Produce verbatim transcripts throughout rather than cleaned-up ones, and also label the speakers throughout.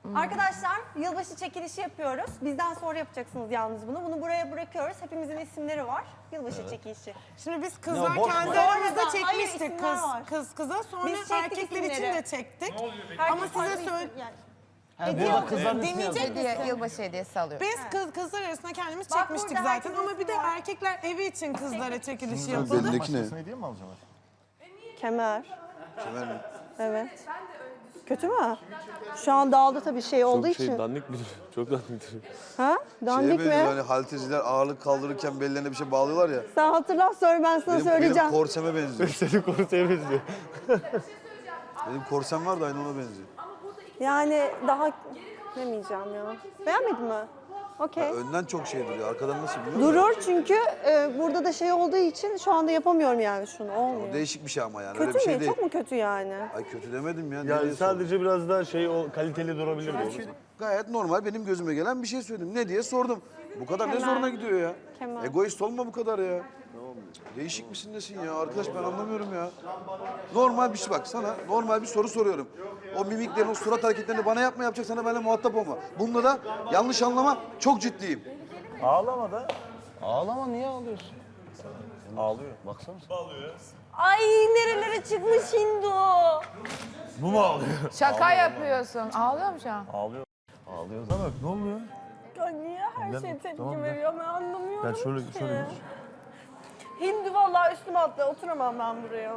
Speaker 1: Arkadaşlar yılbaşı çekilişi yapıyoruz. Bizden sonra yapacaksınız yalnız bunu. Bunu buraya bırakıyoruz. Hepimizin isimleri var. Yılbaşı evet. çekilişi.
Speaker 2: Şimdi biz kızlar
Speaker 3: Ya, boş
Speaker 2: kendi
Speaker 3: ver.
Speaker 2: aramızda
Speaker 1: Hayır,
Speaker 2: çekmiştik kız,
Speaker 1: var.
Speaker 2: kız kıza. Sonra
Speaker 1: Biz çektik
Speaker 2: erkekler için
Speaker 1: isimleri.
Speaker 2: de çektik.
Speaker 1: Herkes
Speaker 2: Ama size
Speaker 1: farklı
Speaker 2: söyle...
Speaker 1: isim- yani.
Speaker 3: Ha, burada kızların ismi
Speaker 2: Dinleyecek
Speaker 3: yazıyor.
Speaker 2: misin?
Speaker 4: Hediye, yılbaşı hediyesi alıyoruz.
Speaker 2: Biz kız, kızlar arasında kendimiz
Speaker 1: Bak
Speaker 2: çekmiştik
Speaker 1: burada
Speaker 2: zaten
Speaker 1: herkesin
Speaker 2: ama bir de
Speaker 1: ismi var.
Speaker 2: erkekler evi için kızlara çekilişi
Speaker 5: Ha,
Speaker 2: yapıldı.
Speaker 5: Belindeki ne?
Speaker 3: Başkasına hediye mi alacaksın?
Speaker 1: Kemer.
Speaker 5: Kemer mi?
Speaker 1: Evet. Kötü mü? Şu an dağıldı tabii şey olduğu
Speaker 6: Çok şey
Speaker 1: için.
Speaker 6: dandik bir çok dandik.
Speaker 1: Ha?
Speaker 5: Şeye
Speaker 1: Dandik mi?
Speaker 5: benziyor hani halterciler ağırlık kaldırırken bellerine bir şey bağlıyorlar ya.
Speaker 1: Sen hatırla sonra ben sana
Speaker 5: Benim,
Speaker 1: söyleyeceğim.
Speaker 5: benim korseme benziyor.
Speaker 6: Senin konusuna benziyor.
Speaker 5: Benim korsem var da aynı ona benziyor.
Speaker 1: Yani daha demeyeceğim ya. Beğenmedin mi? Okey.
Speaker 5: Önden çok şey duruyor. Arkadan nasıl biliyor musun?
Speaker 1: Durur çünkü e, burada da şey olduğu için şu anda yapamıyorum yani şunu. Olmuyor.
Speaker 5: Değişik bir şey ama yani. Öyle
Speaker 1: Kötü
Speaker 5: bir şey
Speaker 1: mü?
Speaker 5: değil.
Speaker 1: Çok mu kötü yani?
Speaker 5: Ay kötü demedim ya.
Speaker 6: Yani
Speaker 5: Nereye sordun?
Speaker 6: sadece biraz daha şey o kaliteli durabilir mi?
Speaker 5: Gayet normal benim gözüme gelen bir şey söyledim. Ne diye sordum. Bu kadar ne
Speaker 1: Kemal.
Speaker 5: zoruna gidiyor ya?
Speaker 1: Kemal.
Speaker 5: Egoist olma bu kadar ya. Değişik misin nesin ya? Arkadaş ben anlamıyorum ya. Normal bir şey bak sana normal bir soru soruyorum. O mimiklerini, o surat hareketlerini bana yapma yapacak sana benimle muhatap olma. Bunda da yanlış anlama çok ciddiyim.
Speaker 3: Ağlama da. Ağlama, niye ağlıyorsun? Ağlıyor, baksana.
Speaker 1: Ay nerelere çıkmış Hindu.
Speaker 3: Bu mu ağlıyor?
Speaker 4: Şaka yapıyorsun. Ağlıyor mu şu an?
Speaker 3: Ağlıyor. Ağlıyor. Sana bak, ne oluyor?
Speaker 1: Ya niye her
Speaker 3: Gel,
Speaker 1: şey tepki
Speaker 3: tamam, gel.
Speaker 1: veriyor ben anlamıyorum
Speaker 3: Gel şöyle,
Speaker 1: ki.
Speaker 3: şöyle geç.
Speaker 1: Hindu vallahi üstüme atla oturamam ben buraya.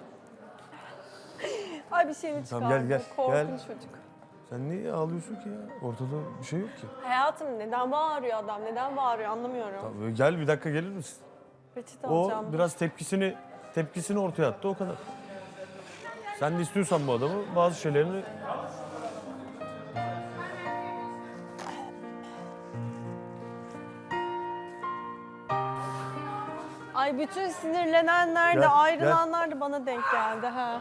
Speaker 1: Ay bir şeyini çıkardı.
Speaker 3: Tamam, gel, gel,
Speaker 1: Korkunç
Speaker 3: gel.
Speaker 1: çocuk.
Speaker 3: Sen niye ağlıyorsun ki ya? Ortada bir şey yok ki.
Speaker 1: Hayatım neden bağırıyor adam? Neden bağırıyor anlamıyorum.
Speaker 3: Tamam, böyle gel bir dakika gelir misin?
Speaker 1: Peçete
Speaker 3: O
Speaker 1: alacağım.
Speaker 3: biraz tepkisini tepkisini ortaya attı, o kadar. Sen de istiyorsan bu adamı bazı şeylerini...
Speaker 1: Ay bütün sinirlenenler de
Speaker 3: Gel,
Speaker 1: ayrılanlar da bana denk geldi ha.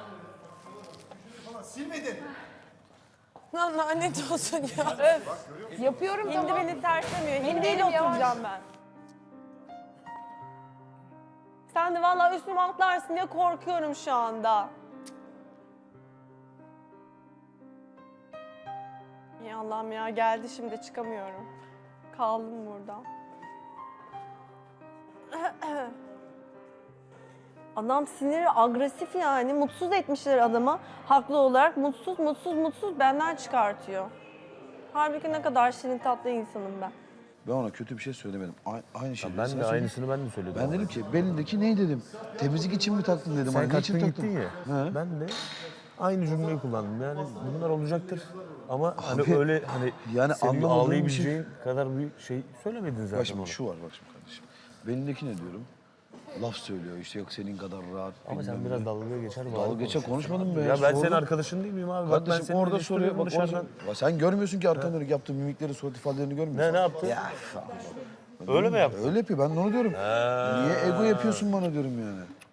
Speaker 2: Lan lanet olsun ya.
Speaker 1: Öf.
Speaker 4: Yapıyorum
Speaker 1: Hindi
Speaker 4: tamam.
Speaker 1: beni terslemiyor. Hindiyle
Speaker 4: Hindiyle yavaş.
Speaker 1: oturacağım ben. Sen de vallahi üstüme atlarsın diye korkuyorum şu anda. Ya Allah'ım ya geldi şimdi çıkamıyorum. Kaldım burada. Adam siniri agresif yani. Mutsuz etmişler adamı. Haklı olarak mutsuz, mutsuz, mutsuz benden çıkartıyor. Halbuki ne kadar şirin tatlı insanım ben.
Speaker 5: Ben ona kötü bir şey söylemedim. A- aynı şey.
Speaker 3: Ben de aynısını ben de söyledim.
Speaker 5: Ben dedim ki belindeki ne dedim? Temizlik için mi taktın dedim.
Speaker 3: Sen
Speaker 5: Hani ne için
Speaker 3: kalktın
Speaker 5: taktın?
Speaker 3: gittin ya.
Speaker 5: He.
Speaker 3: Ben de aynı cümleyi kullandım. Yani bunlar olacaktır. Ama hani
Speaker 5: Abi,
Speaker 3: öyle hani
Speaker 5: yani
Speaker 3: senin
Speaker 5: anlamadığım bir
Speaker 3: ağlayabileceğin kadar bir şey söylemedin zaten
Speaker 5: Bak şimdi
Speaker 3: ona.
Speaker 5: şu var bak şimdi kardeşim. Belindeki ne diyorum? Laf söylüyor işte yok senin kadar rahat.
Speaker 3: Ama sen
Speaker 5: bilmem
Speaker 3: biraz
Speaker 5: ne.
Speaker 3: dalga geçer.
Speaker 5: Dalga
Speaker 3: bağırıp
Speaker 5: geçer
Speaker 3: konuşuyorsun.
Speaker 5: konuşmadın be.
Speaker 3: Ya ben senin
Speaker 5: Sordum.
Speaker 3: arkadaşın değil miyim abi? Bak ben
Speaker 5: Kardeşim
Speaker 3: senin
Speaker 5: orada soruyor. Bak
Speaker 3: dışarıdan...
Speaker 5: orada, Bak sen görmüyorsun ki arkadan dönük yaptığım mimikleri, surat ifadelerini görmüyorsun.
Speaker 3: Ne ne yaptı?
Speaker 5: Ya.
Speaker 3: Öyle mi yaptı?
Speaker 5: Öyle yapıyor ben de onu diyorum. Niye ego yapıyorsun bana diyorum yani.